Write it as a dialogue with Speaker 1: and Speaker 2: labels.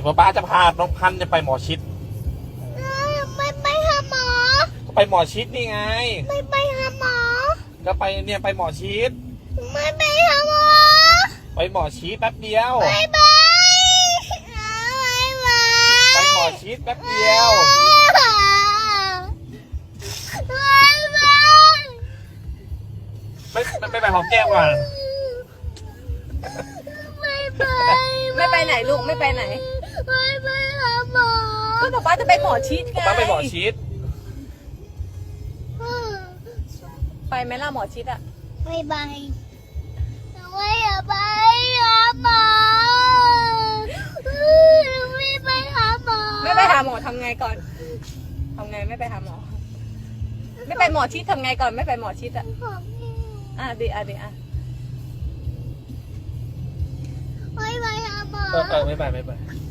Speaker 1: ดี๋ยวป้าจะพาน้องพันธุ์ไปหมอชิด
Speaker 2: ไม่ไปหาหมอ
Speaker 1: ก็ไปหมอชิดนี่ไง
Speaker 2: ไม่ไปหาหมอ
Speaker 1: ก็ไปเนี่ยไปหมอชิด
Speaker 2: ไม่ไปหาหมอ
Speaker 1: ไปหมอชิดแป๊บเดียว
Speaker 2: ไปไปไป
Speaker 1: ไปหมอชิดแป๊บเดียว ไม่ไปหอมแก้มก่อน
Speaker 2: ไม่ไป
Speaker 3: ไม่ไปไหนลูกไม่ไปไหน
Speaker 2: ไม่ไปหาหมอ
Speaker 3: ก็ป๊าจะไปหมอชิดไง
Speaker 1: ป้าไปหมอชิด
Speaker 3: ไปไหมล่ะหมอชิดอะ
Speaker 2: ไม่ไปไม่อยากไปหาหมอไม่ไปหาหมอ
Speaker 3: ไม่ไปหาหมอทำไงก่อนทำไงไม่ไปหาหมอ ไม่ไปหมอชิดทำไงก่อนไม่ไปหมอชิดอะดีอ่ะ
Speaker 2: ไม่ไปหาหมอ
Speaker 1: ไม่ไป